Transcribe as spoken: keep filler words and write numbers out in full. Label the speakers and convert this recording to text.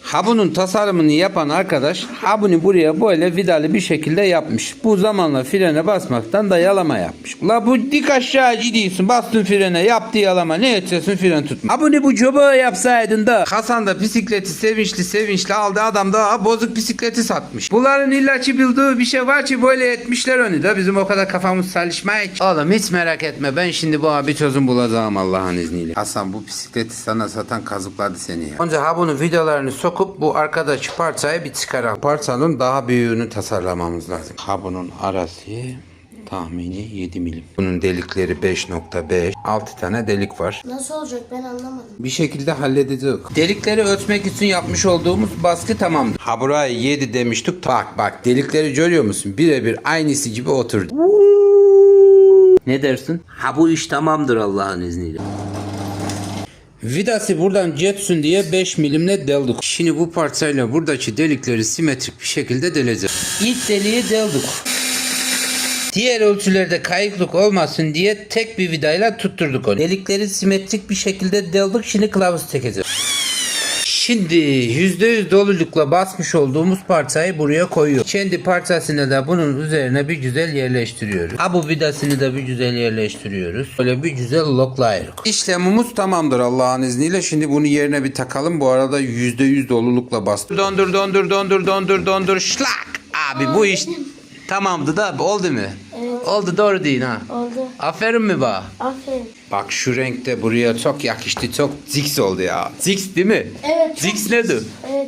Speaker 1: Ha bunun tasarımını yapan arkadaş ha bunu buraya böyle vidalı bir şekilde yapmış. Bu zamanla frene basmaktan da yalama yapmış. La bu dik aşağı gidiyorsun, bastın frene, yaptı yalama, ne edeceksin, fren tutma. Ha bunu bu coba yapsaydın da Hasan da bisikleti sevinçli sevinçli aldı, adam da bozuk bisikleti satmış. Bunların illaçı bildiği bir şey var ki böyle etmişler onu da, bizim o kadar kafamız çalışmaya ki. Oğlum hiç merak etme, ben şimdi bu abi çözüm bulacağım Allah'ın izniyle. Hasan bu bisikleti sana satan kazıkladı seni ya. Önce ha bunun vidalarını sokup bu arkadaki parçayı bir çıkaralım. Parçanın daha büyüğünü tasarlamamız lazım. Ha bunun arası tahmini yedi milim. Bunun delikleri beş nokta beş. altı tane delik var.
Speaker 2: Nasıl olacak ben anlamadım.
Speaker 1: Bir şekilde halledeceğiz. Delikleri ölçmek için yapmış olduğumuz baskı tamamdır. Ha buraya yedi demiştik. Bak bak, delikleri görüyor musun? Birebir aynısı gibi oturdu. Ne dersin? Ha bu iş tamamdır Allah'ın izniyle. Vidası buradan geçsin diye beş milimle deldik. Şimdi bu parçayla buradaki delikleri simetrik bir şekilde deleceğiz. İlk deliği deldik. Diğer ölçülerde kayıklık olmasın diye tek bir vidayla tutturduk onu. Delikleri simetrik bir şekilde deldik. Şimdi kılavuz çekeceğiz. Şimdi yüzde yüz dolulukla basmış olduğumuz parçayı buraya koyuyor. Kendi parçasını da bunun üzerine bir güzel yerleştiriyoruz. Ha bu vidasını da bir güzel yerleştiriyoruz. Böyle bir güzel loklayırız. İşlemimiz tamamdır Allah'ın izniyle. Şimdi bunu yerine bir takalım. Bu arada yüzde yüz dolulukla bastım. Dondur dondur dondur dondur dondur şlak. Abi bu iş tamamdı da oldu mu?
Speaker 2: Evet.
Speaker 1: Oldu, doğru değil ha.
Speaker 2: Oldu.
Speaker 1: Aferin mi bana?
Speaker 2: Aferin.
Speaker 1: Bak şu renkte buraya çok yakıştı. Çok ziks oldu ya. Ziks değil mi?
Speaker 2: Evet.
Speaker 1: Ziks nedir?
Speaker 2: Evet.